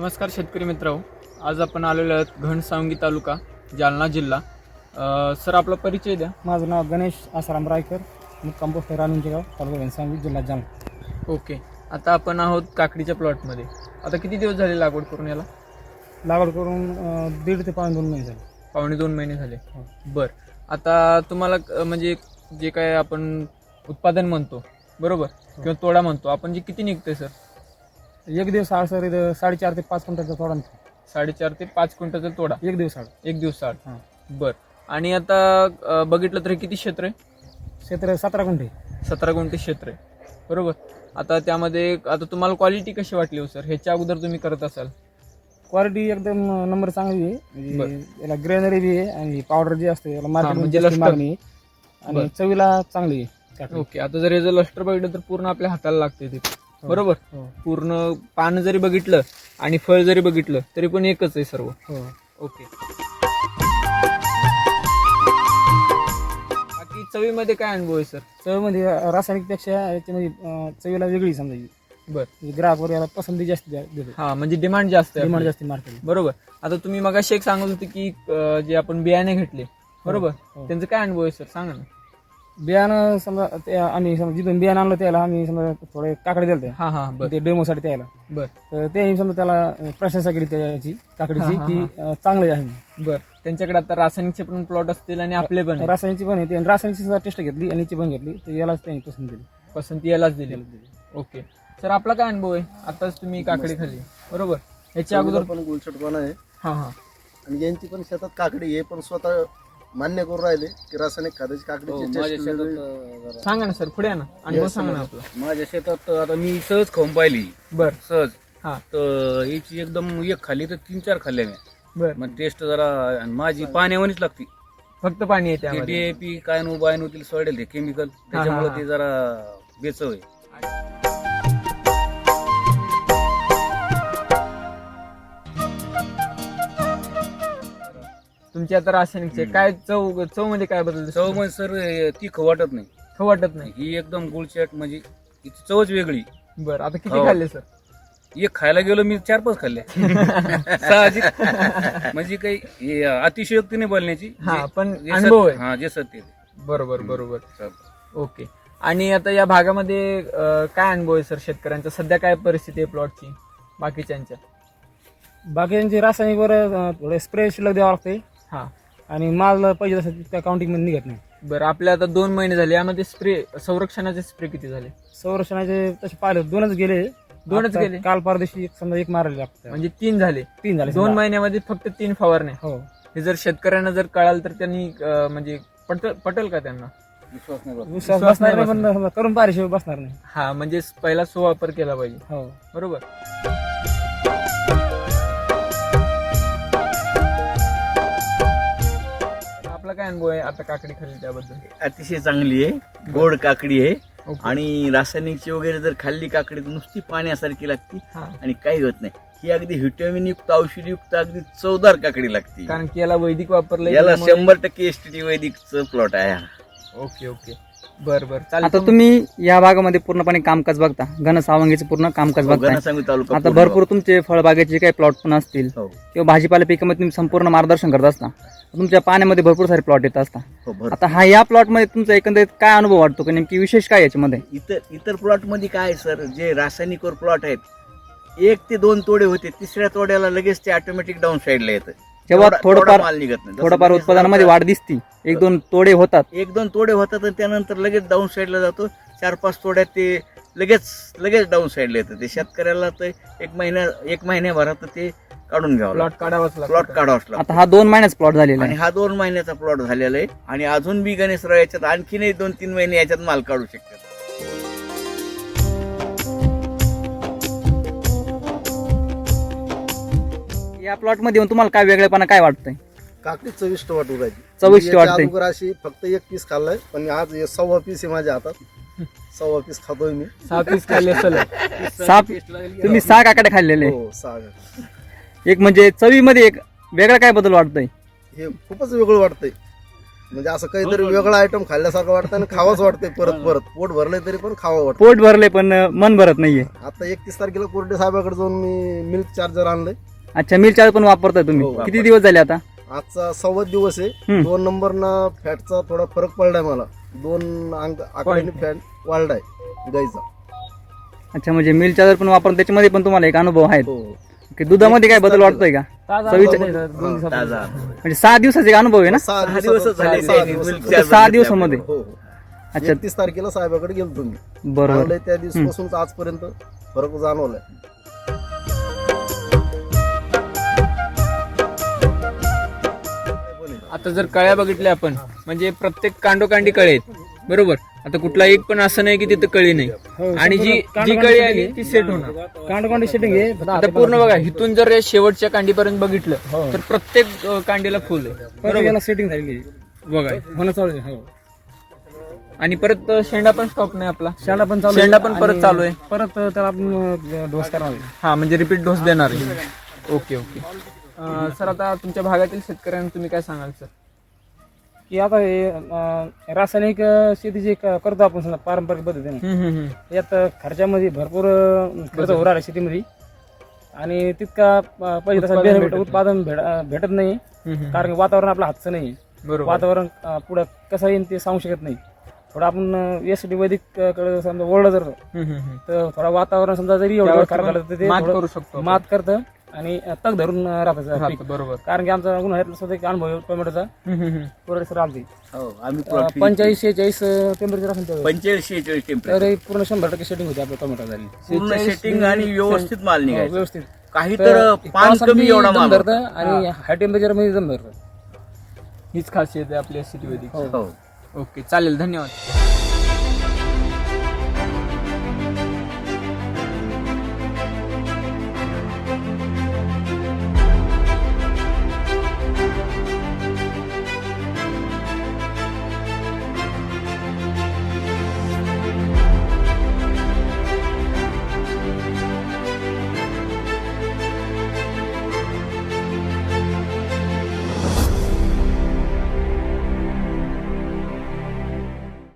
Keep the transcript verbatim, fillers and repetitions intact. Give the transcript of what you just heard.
नमस्कार शेतकरी मित्रांनो, आज आपण आलेलो आहोत घनसावंगी तालुका जालना जिल्हा. अ, सर आपला परिचय द्या. माझं नाव गणेश आसाराम रायकर, मुक्काम पोस्ट राणूंचे गाव, तालुका घनसावंगी, जिल्हा जालना. ओके, आता आपण आहोत काकडीच्या प्लॉटमध्ये. आता किती दिवस झाले लागवड करून याला? लागवड करून अं, दीड ते पावणे दोन महिने झाले. पावणे दोन महिने झाले. हो. बर, आता तुम्हाला अ, म्हणजे जे काय आपण उत्पादन म्हणतो बरोबर, किंवा तोडा म्हणतो आपण, जे किती निघते सर? एक दिवस आड सर इथं साडेचार ते पाच क्विंटलचा तोडा निघतो. साडेचार ते पाच क्विंटलचा तोडा एक दिवस आड. एक दिवस आड. हां. बर, आणि आता अ, बघितलं तर किती क्षेत्र आहे? क्षेत्र सतरा गुंठे. सतरा गुंठे क्षेत्र आहे बरोबर. आता त्यामध्ये आता तुम्हाला क्वालिटी कशी वाटली हो सर? ह्याच्या अगोदर तुम्ही करत असाल? क्वालिटी एकदम नंबर चांगली आहे. म्हणजे याला ग्रेनरी बी आहे आणि पावडर जे असते याला म्हणजे मार्केटमध्ये लष्कर. मागणी आहे आणि बरं. चवीला चांगली आहे काकडी. ओके, आता जर याचं लष्टर बघितलं तर पूर्ण आपल्या हाताला लागते ते हो. बरोबर. हो. पूर्ण पान जरी बघितलं आणि फळ जरी बघितलं तरी पण एकच आहे सर्व. हो. ओके, बाकी चवीमध्ये काय अनुभव आहे सर? चवीमध्ये रासायनिकपेक्षा याच्यामध्ये अं, चवीला वेगळी समजायची. बर, म्हणजे ग्राहक वर याला पसंती जास्त द्या- देतो. हा म्हणजे डिमांड जास्त आहे डिमांड आपली. जास्त मार्केट. बरोबर. आता तुम्ही मगाशी एक सांगत होते की अं, जे आपण बियाणे घेतले बरोबर, हो. त्यांचं काय अनुभव आहे सर? सांगा ना. बियाणं समजा ते आम्ही समजा जिथून बियाणं आणलं त्याला आम्ही समजा थोडे काकडे दिले हा हा बर ते डेमोसाठी त्याला. बर तर ते समजा त्याला प्रशंसा केली त्याची काकडीची हा, हा, की अं, चांगली आहे. बर. त्यांच्याकडे आता रासायनिकचे पण प्लॉट असतील आणि आपले पण आहे. रासायनिकची पण आहे, रासायनिकची सुद्धा टेस्ट घेतली आणि याची पण घेतली, तर यालाच त्यांनी पसंत केली. पसंती यालाच दिली. ओके सर, आपला काय अनुभव आहे? आताच तुम्ही काकडी खाल्ली बरोबर, याच्या अगोदर पण गुलछटपणा आहे हा हा आणि यांची पण शेतात काकडी आहे, पण स्वतः मान्य करून राहिले की रासायनिक खताची काकडीची टेस्ट वेगळी. सांगा ना सर, पुढे या ना, अनुभव सांगा ना आपला. माझ्या शेतात आता मी सहज खाऊन पाहिली. बर सहज हा तर याची एकदम एक खाल्ली तर तीन चार खाल्ल्या मी. बर, मग टेस्ट जरा आणि माझी पाण्यावानीच लागती. फक्त पाणी आहे ते त्यामध्ये. डीएपी काय नो बाय नो तिला सोडेल ते केमिकल, त्याच्यामुळे हा. ते जरा बेचव आहे. तुमची आता रासायनिकचे काय चव चव मध्ये काय बदल दिसतो? चव म्हणजे सर तीख वाटत नाही. खाऊ वाटत नाही. ही एकदम गुळचट, म्हणजे हिची चवच वेगळी. बर, आता किती हो. खाल्ले सर? एक खायला गेलो मी चार पाच खाल्ल्या. साहजिक. म्हणजे काही हे अतिशयोक्ती नाही बोलण्याची. हा, जे- पण जे अनुभव सत्य- आहे. हा जे सत्य आहे. बरोबर बरोबर. चालतं. ओके, आणि आता या भागामध्ये अं, काय अनुभव आहे सर शेतकऱ्यांचा? सध्या काय परिस्थिती आहे प्लॉटची बाकीच्यांच्या? बाकीचे रासायनिकवर अं, थोडे स्प्रे शिल्लक द्यावं लागते हा आणि माल पाहिजे तसं त्या काउंटिंग मध्ये निघत नाही. बरं, आपल्या आता दोन महिने झाले, यामध्ये स्प्रे संरक्षणाचे स्प्रे किती झाले? संरक्षणाचे तसे पाहिले दोनच गेले. दोनच आता गेले? काल परदेशी एक समजा एक मारायला लागतं. म्हणजे तीन झाले. तीन झाले दोन समजा. महिन्यामध्ये फक्त तीन फवारण्या. हो. हे जर शेतकऱ्यांना जर कळाल तर त्यांनी अं, म्हणजे पटल पटेल का त्यांना? विश्वास नाही बसत. विश्वास विश्वास बसणार नाही नाही, पण समजा करून पाहिजे बसणार नाही. हा, म्हणजे पहिला सुवापर केला पाहिजे हो. बरोबर. आपला काय अनुभव आहे आता काकडी खाल्ली त्याबद्दल? अतिशय चांगली आहे, गोड काकडी आहे ओके. आणि रासायनिकची वगैरे जर खाल्ली काकडी तर नुसती पाण्यासारखी लागती हा, आणि काही होत नाही. ही अगदी व्हिटॅमिन युक्त, औषधी युक्त, अगदी चवदार काकडी लागते. कारण की याला वैदिक वापरलं याला शंभर टक्के एसटीटी वैदिकचं प्लॉट आहे हा. ओके ओके, बर बर, चालेल. आता तुम्ही या भागामध्ये पूर्णपणे कामकाज बघता, घनसावंगीचं पूर्ण कामकाज बघताय. घनसावंगी तालुका आता पूर्ण. भरपूर तुमचे फळबागेचे काही प्लॉट पण असतील हो. किंवा भाजीपाला पिकामध्ये तुम्ही संपूर्ण मार्गदर्शन करत असता. तुमच्या पाण्यामध्ये भरपूर सारे प्लॉट येत असता. हो, भरपूर. आता हा या प्लॉट मध्ये तुमचा एकंदरीत काय अनुभव वाटतो की नेमकी विशेष काय याच्यामध्ये? इतर इतर प्लॉट मध्ये काय आहे सर, जे रासायनिकवर प्लॉट आहेत, एक ते दोन तोडे होते, तिसऱ्या तोड्याला लगेच ते ऑटोमॅटिक डाऊन साईडला येतं. जेव्हा तेवढा- थोडंफार तेवढा माल निघत नाही. जसं थोडंफार गणेश उत्पादनामध्ये दादा- वाढ दिसती, एक दोन तोडे होतात. एक दोन तोडे होतात आणि त्यानंतर लगेच डाऊन साईडला जातो. चार पाच तोड्यात ते लगेच लगेच डाऊन साईडला येतं. ते शेतकऱ्याला तर एक महिन्या एक महिन्याभरात ते काढून घ्यावं प्लॉट काढावाच प्लॉट लागतो. काढावाच लागतो. आता हा दोन महिन्याचा प्लॉट झालेला आणि आहे. हा दोन महिन्याचा प्लॉट झालेला आहे आणि अजून बी गणेशराव याच्यात आणखीनही दोन तीन महिने याच्यात माल काढू शकतात. या प्लॉट मध्ये येऊन तुम्हाला काय वेगळेपणा काय वाटतंय? काकडी चविष्ट वाटू राहिली. चविष्ट याच्या वाटते. अगोदर अशी फक्त एक पीस खाल्लाय, पण आज हे सव्वा पीस आहे माझ्या हातात. सव्वा पीस खातोय मी. सहा पीस खाल्ले सलग. साप तुम्ही सहा काकडे खाल्लेले. हो, सहा. एक म्हणजे चवीमध्ये एक वेगळा काय बदल वाटतोय? हे खूपच वेगळं वाटतंय. म्हणजे असं काहीतरी वेगळा आयटम खाल्ल्यासारखं वाटतं आणि खावंच वाटतंय परत परत. पोट भरलंय तरी पण खावं वाटतं. पोट भरले पण अं, मन भरत नाहीये. आता एकतीस तारखेला कोरडे साहेबाकडे जाऊन मी मिल्क चार्जर आणलंय. अच्छा, मिल चार्ज पण वापरताय तुम्ही? हो, किती दिवस झाले आता? आजचा सव्वा दिवस आहे. हम्म. दोन नंबरना फॅटचा थोडा फरक पडलाय मला. दोन अंक आकड्याने फॅट वाढलाय गाईचा. अच्छा, म्हणजे मिल चार्जर पण वापरून त्याच्यामध्ये पण तुम्हाला एक अनुभव आहे हो की दुधामध्ये काय बदल वाटतोय का? ताजा चवीच्या- अनुभव आहे, दोन दिवसापूर्वी. ताजा म्हणजे सहा दिवसाचा एक अनुभव आहे ना? सहा सहा दिवसाचा- दिवस झाले सहा ते दिवस. milk फक्त charger सहा घेतले दिवसामध्ये? हो हो. अच्छा, एकतीस तारखेला साहेबाकडे गेलो तुम्ही. बरोबर. आणलंय त्या दिवसापासून आजपर्यंत फरक जाणवलाय. आता जर कळ्या बघितल्या आपण म्हणजे प्रत्येक कांडोकांडी कळे आहेत, बरोबर. आता कुठला एक पण असं नाही की तिथं कळी नाही. हो, आणि जी जी कळी आली ती सेट होणार. कांडकोंडी सेटिंग आहे फक्त आता पूर्ण बघा, इथून जर या शेवटच्या कांडीपर्यंत बघितलं तर प्रत्येक अं, कांडीला फुल आहे, प्रत्येकाला सेटिंग झालेली आहे. बघा. होणं चालू आहे. हो. आणि परत अं, शेंडा पण स्टॉप नाही आपला. शेंडा पण चालू आहे. शेंडा पण परत आणि चालू आहे. परत त्याला आपण डोस करणार आहे. हा, म्हणजे रिपीट डोस देणार आहे. Okay okay. अं, सर आता तुमच्या भागातील शेतकऱ्यांना तुम्ही काय सांगाल सर? की आता हे अं, रासायनिक अं, शेती जे क- करतो आपण समजा पारंपरिक पद्धतीने हम्म, हम्म, हम्म. यात खर्चामध्ये भरपूर अं, खर्च होऊ राहिला शेतीमध्ये आणि तितका अं, पाहिजे तसा उत्पादन बेनिफिट भेटत उत्पादन भेट- अं, भेटत नाही. हम्म, हम्म. कारण की वातावरण आपलं हातचं नाही. बरोबर. वातावरण अं, पुढं कसं येईल ते सांगू शकत नाही. थोडं आपण एस टी वैदिक कडे समजा ओढलं जर हम्म, हम्म, हम्म. तर थोडा वातावरण समजा जरी एवढं त्यावरती खराब पण झालं तर ते मात थोडं करू शकतो आपण. मात करतं आणि तग धरून राहतं पीक. राहतं, बरोबर. कारण की आमचा उन्हाळ्यातला सुद्धा एक अनुभव आहे टोमॅटोचा हम्म, हम्म, हम्म. पुरेसर आलती हो आम्ही plot finish पंचेचाळीस शेहेचाळीस टेम्परेचर असेल केलं. त्यावेळी. पंचेचाळीस शेहेचाळीस तर टेम्परेचर हे पूर्ण शंभर टक्के सेटिंग होती आपल्या टोमॅटो झाली पूर्ण सेटिंग आणि व्यवस्थित माल हो, निघायचा. व्यवस्थित काही तर तर पान पावसात कमी बी एवढा दम माल धरतं होता. आणि हाय टेम्परेचर मध्ये दम धरतं. हीच खासियत आहे आपल्या सिटी वैदिक. हो ओके, चालेल, धन्यवाद.